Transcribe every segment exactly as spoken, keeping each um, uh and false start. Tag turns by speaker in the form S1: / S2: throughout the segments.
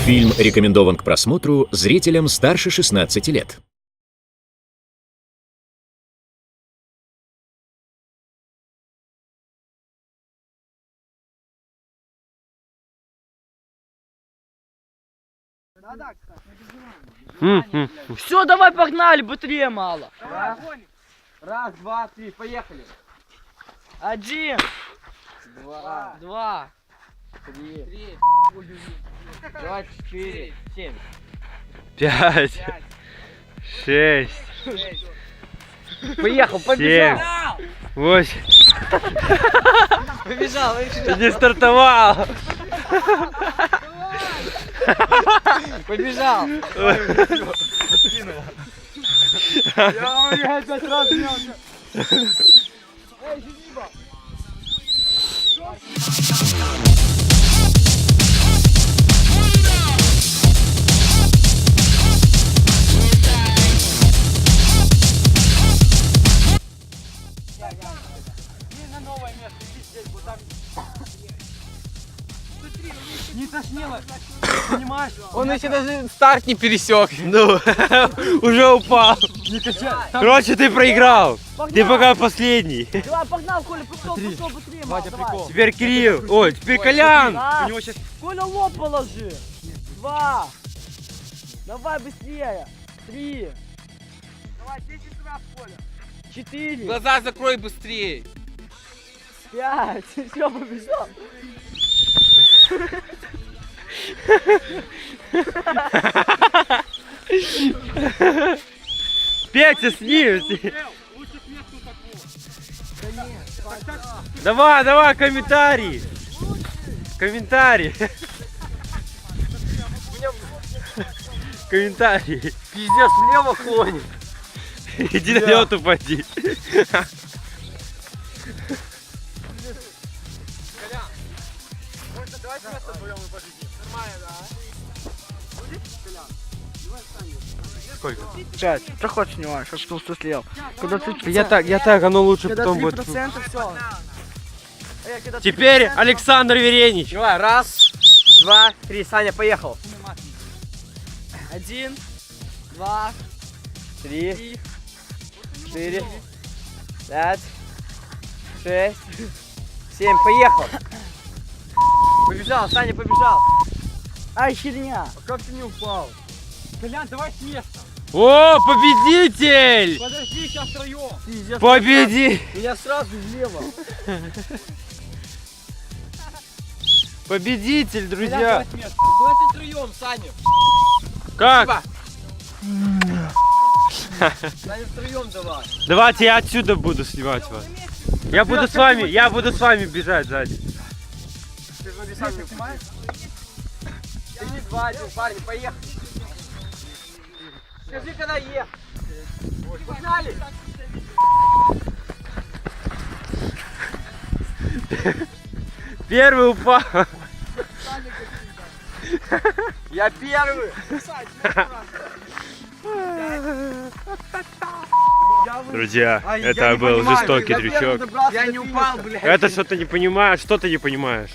S1: Фильм рекомендован к просмотру зрителям старше шестнадцати лет.
S2: Все, давай погнали, быстрее мало.
S3: Раз, раз, два, три, поехали.
S2: Один,
S3: Два,
S2: два,
S3: три, три,
S2: два, четыре, семь.
S4: Пять,
S3: пять,
S4: шесть,
S3: шесть.
S2: Поехал,
S4: семь,
S2: побежал.
S4: восемь.
S2: Побежал,
S4: Ты не стартовал.
S2: побежал.
S3: Я опять раз мелко. Эй, Зениба. Иди на новое место, иди здесь, вот там. Не тошнило, понимаешь?
S2: Он еще даже старт не пересек.
S4: Ну, уже упал. Короче, ты проиграл. Ты пока последний.
S2: Давай, погнал, Коля, пошел, пошел, быстрее, мало, давай.
S4: Теперь Кирилл. Ой, теперь Колян.
S2: Раз.
S4: У него сейчас...
S2: Коля, лоб положи. Два. Давай быстрее. Три.
S3: Давай, десять раз, Коля.
S2: Четыре.
S5: Глаза закрой быстрее.
S2: Пять. Все, побежал.
S4: Петя, с ним. Давай, давай, комментарий. Комментарий. Комментарий.
S2: Пиздец, влево клонит.
S4: Иди на лед упади.
S3: Давайте место вдвоем и победим. Нормально, да? Будет, Колян? Давай встанем.
S4: Сколько?
S2: Пять. Что хочешь снимаешь, чтобы толстый слел. Когда ты...
S4: Я так, я так, оно лучше
S2: Когда
S4: потом
S2: три
S4: будет.
S2: процента, все.
S4: Теперь Александр Веренич.
S2: Давай, раз, два, три. Саня, поехал. Один, два, три, четыре, пять, шесть, семь. Поехал. Побежал, Саня, побежал. Ай, херня.
S3: Как ты не упал? Колян, давай с места.
S4: О, победитель!
S3: Подожди, сейчас втроем.
S2: Пиздец.
S4: Победи!
S2: Меня сразу влево.
S4: Победитель,
S3: Колян,
S4: друзья!
S3: давай с места. Давайте втроем, Саня.
S4: Как?
S3: Саня, втроем давай.
S4: Давайте я отсюда буду снимать вас. Я буду с вами, я буду с вами бежать сзади.
S3: Ты вроде сам не снимаешь? Иди, два, один, парни, поехали. Скажи, когда ехать. Погнали.
S4: Первый упал.
S3: Я первый.
S4: Друзья,
S3: А, я
S4: это
S3: не
S4: был
S3: понимаю,
S4: жестокий
S3: я
S4: дрючок.
S3: добрался Я до не финиша. упал, блядь.
S4: Это что ты не понимаешь, что ты не понимаешь.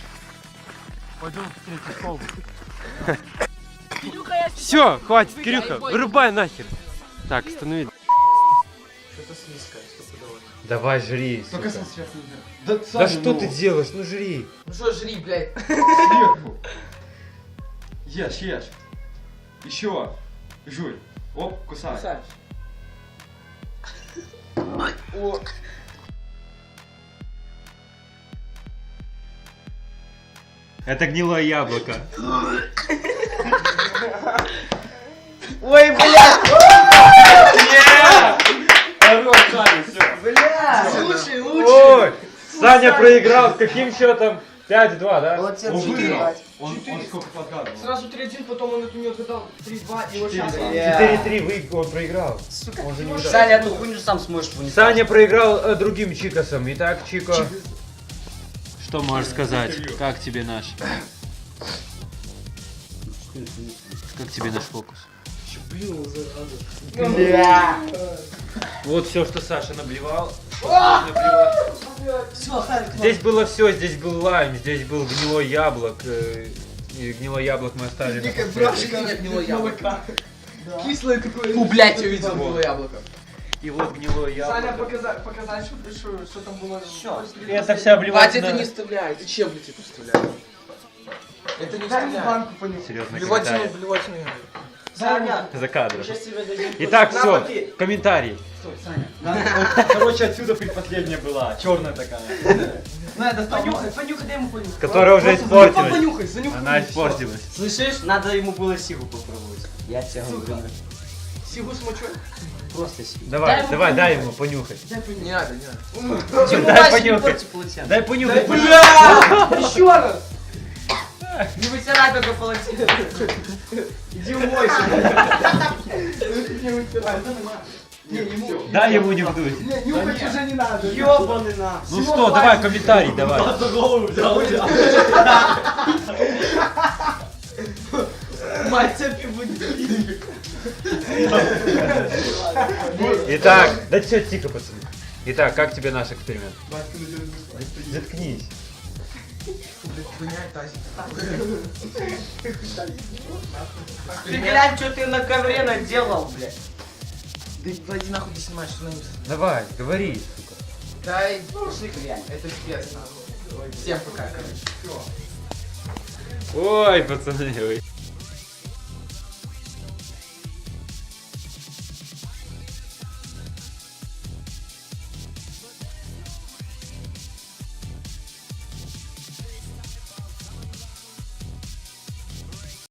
S4: Все, хватит, Кирюха, вырубай нахер. Так, останови.
S3: Что-то слизкое, стопудово.
S4: Давай, жри.
S3: Только
S4: сука.
S3: сейчас нельзя.
S4: Да
S3: Саня,
S4: что
S3: ну.
S4: ты делаешь? Ну жри.
S3: Ну что, жри, блядь.
S6: Сверху. Ешь, ешь. Еще. Жуй. Оп, кусай.
S3: Кусаешь.
S6: О.
S4: Это гнилое яблоко.
S2: Ой, блядь.
S6: Хорош, Саня, все.
S2: Блядь. Лучший, лучший.
S4: Ой, Саня проиграл. С каким счетом? пять-два, да?
S2: Молодец,
S6: Он
S2: четыре.
S6: выиграл. Он, он сколько подгадывал?
S3: Сразу три один, потом он эту не отгадал. три-два, и вот сейчас.
S4: четыре-три вы- он проиграл. Он же не угадал.
S2: Саня, эту хуйню сам сможешь вынести.
S4: Саня проиграл э, другим Чикосом. Итак, Чико. Что можешь сказать? Как тебе наш? Как тебе наш фокус?
S2: Бля.
S4: Вот все, что Саша наблевал. Наблевал.
S2: Все, Харик,
S4: Здесь было все, здесь был лайм, здесь был гнилой яблок. э, И гнилое яблоко мы оставили. на
S3: Дикая
S4: последний.
S3: брашка. Нет, гнилое яблоко. Кислое такое. Фу, блядь, я видел гнилое яблоко.
S4: И вот гнилое
S3: Саня,
S4: яблоко.
S3: показать, показать, что, что, что там было. Что?
S4: Это вся
S3: Вадя,
S4: обливать
S3: это
S4: на...
S3: не вставляй. Ты чем, блядь, это вставляешь? Это не вставляй.
S4: Серьезно,
S3: Блевательную,
S4: комментарий.
S3: блевательную.
S5: Саня,
S4: За кадром.
S5: сейчас тебе дадим.
S4: Итак,
S5: На,
S4: все,
S5: попей.
S4: комментарий.
S6: Короче, отсюда предпоследняя была, черная такая.
S3: На, достал. Понюхай, понюхай, дай ему понюхай.
S4: Которая уже
S3: Просто
S4: испортилась.
S3: Понюхай, занюхай.
S4: Она
S3: и всё.
S4: испортилась.
S5: Слышишь? Надо ему было сигу попробовать. Я тебе говорю.
S3: Сигу с мочой?
S5: Просто сигу.
S4: Давай,
S5: ему
S4: давай,
S5: понюхать.
S4: дай ему понюхать.
S3: Не надо, не надо.
S5: Тимур,
S4: Дай
S5: Вася, не
S4: понюхать.
S5: порти полотенце.
S4: Дай понюхать.
S3: Бля! Еще раз!
S5: Не вытирай только полотенце.
S3: Иди умойся. Не вытирай, это нормально. Не, ему.
S4: Дай ему не вдуть.
S3: Не, нюхать уже не надо.
S5: Ёбаный на.
S4: Ну что, давай комментарий, давай.
S5: Мать цепи будет.
S4: Итак, да все, тихо, пацаны. Итак, как тебе наш эксперимент? Заткнись.
S5: Ты глянь, что ты на ковре наделал, блядь.
S3: Да иди нахуй, ты снимаешь, что на них.
S4: Давай, говори, сука.
S3: Дай, пошли глянь, это пипец нахуй. Всем пока, короче.
S4: Ой, пацаны, ой.